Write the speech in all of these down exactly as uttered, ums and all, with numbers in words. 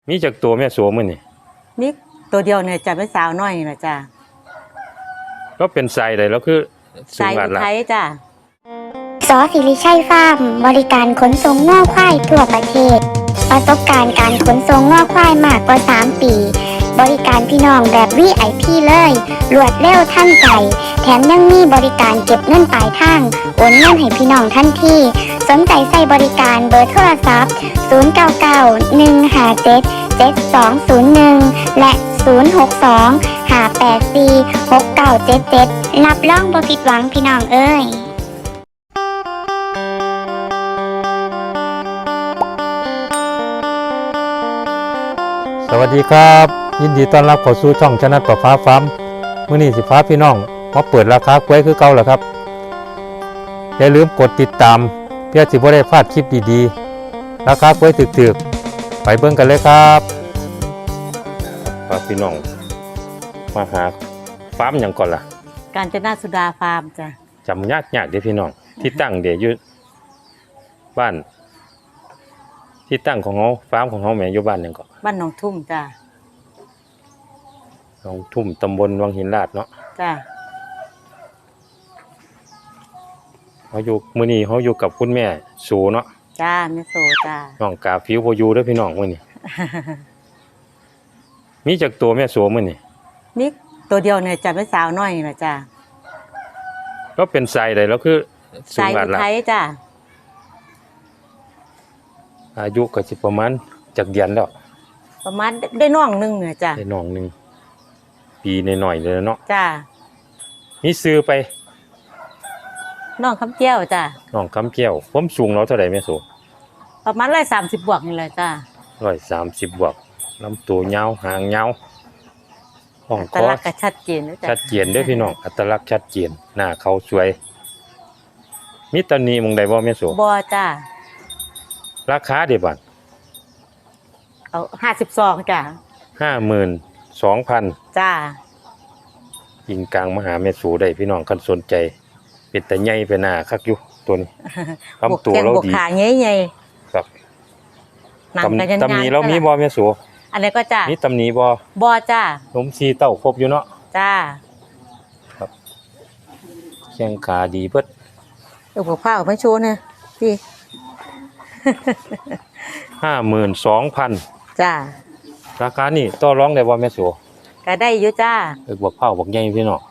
มีจากตัวแม่โสมมื้อนี่มีตัวเดียวเนี่ยจะเป็นสาวน้อยนี่ล่ะจ้ะก็เป็นไซได้แล้วคือสูงสายบาทอุละทัยจ้ะสอสิริชัยฟาร์มบริการขนส่งง่อควายทั่วประเทศประสบการณ์การขนส่งง่อควายมากกว่าสามปีบริการพี่น้องแบบ วี ไอ พี เลยรวดเร็วทันใจแถมยังมีบริการเก็บเงินปลายทางโอนเงินให้พี่น้องทันทีสนใจใส่บริการเบอร์โทรศัพท์ศูนย์ เก้า เก้า หนึ่ง ห้า เจ็ด เจ็ด สอง ศูนย์ หนึ่งและศูนย์ หก สอง ห้า แปด สี่ หก เก้า เจ็ด เจ็ดรับรองบ่ผิดหวังพี่น้องเอ้ยสวัสดีครับยินดีต้อนรับเข้าสู่ช่องชนะประฟ้าฟาร์มมื้อนี้สิฟ้าพี่น้องมาเปิดราคากล้วยคือเก่าแล้วครับอย่าลืมกดติดตามเพื่อสิบ่ได้พลาดคลิปดีๆราคากล้วยถึกๆไปเบิ่งกันเลยครับฟ้าพี่น้องมาหาฟาร์มหยังก่อนล่ะกาญจนาสุดาฟาร์มจ้ะจำยากๆเด้อพี่น้องที่ตั้งเดี๋ยวอยู่บ้านที่ตั้งของเฮาฟาร์มของเฮาแม่อยู่บ้านหยังก็บ้านหนองทุ่มจ้ะหนองทุ่มตำบลวังหินลาดเนาะจ้ะเฮาอยู่มื้อนี้เฮาอยู่กับคุณแม่สูเนาะจ้าแม่โสจ้าน้องกาฟิวบ่อยู่เด้อพี่น้องมื้อนี้ มีจักตัวแม่สูมื้อนี้มีตัวเดียวเนี่ยจะเป็นสาวน้อยนี่ล่ะจ้ะก็เป็นไซได้แล้วคือสูสาง ยบาทอุละทัยจ้ะอายุก็สิประมาณจักเดือนแล้วประมาณได้น้องนึงเนี่ยจ้ะได้น้องนึงปีน้อยๆเลยเนาะจ้ะมีซื้อไปน้องคำเกี้ยวจ้ะน้องคำแก้วความสูงเราเท่าใดแม่สูประมาณหนึ่งร้อยสามสิบบวกนี่แหละจ้ะหนึ่งร้อยสามสิบบวกลำตัวยาวหางยาวห้องคแต่อละก็ชัดเจนนะจ้ะชัดเจนเด้อพี่น้องอัตลักษณ์ชัดเจนหน้าเขาสวยมีตำหนิหม่องใดบ่แม่สูบ่จ้ะราคาเด้บัดเอาห้าสิบสองจ้ะห้าหมื่นสองพันจ้ายิงกลางมหาแม่สูได้พี่น้องคันสนใจเป็นตาใหญ่ไปหน้าคักอยู่ตัวนี้ลำตัวเราดีขาใหญ่ๆครับหนังกันยันๆตำหนิเรามีบ่แม่สูอันนี้ก็จ้ามีตำหนิบ่บ่จ้านมซีเต้าครบอยู่เนาะจ้าครับแข้งขาดีเบิดเดี๋ยวผมพาออกมาโชว์นะพี่ห้าหมื่นสองพันจ้าราคานี่ต่อรองได้บ่แม่สูก็ได้อยู่จ้าเอิกบักเผาบักใหญ่พี่น้อง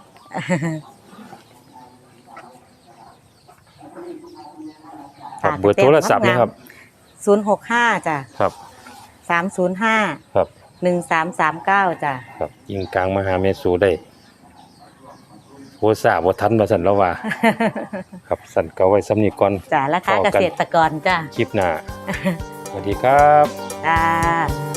ครับเบอร์โทรศัพท์นะครับศูนย์หกห้าจ้ะครับสามศูนย์ห้าครับหนึ่งสามสามเก้าจ้ะครับยิงกลางมหาแม่สูได้โหซาบ่ทันว่าซั่นแล้วว่า ครับสั่นก็ไว้สำนี้ก่อนจ้ะราคาเกษตรกรจ้ะคลิปหน้า สวัสดีครับจ้า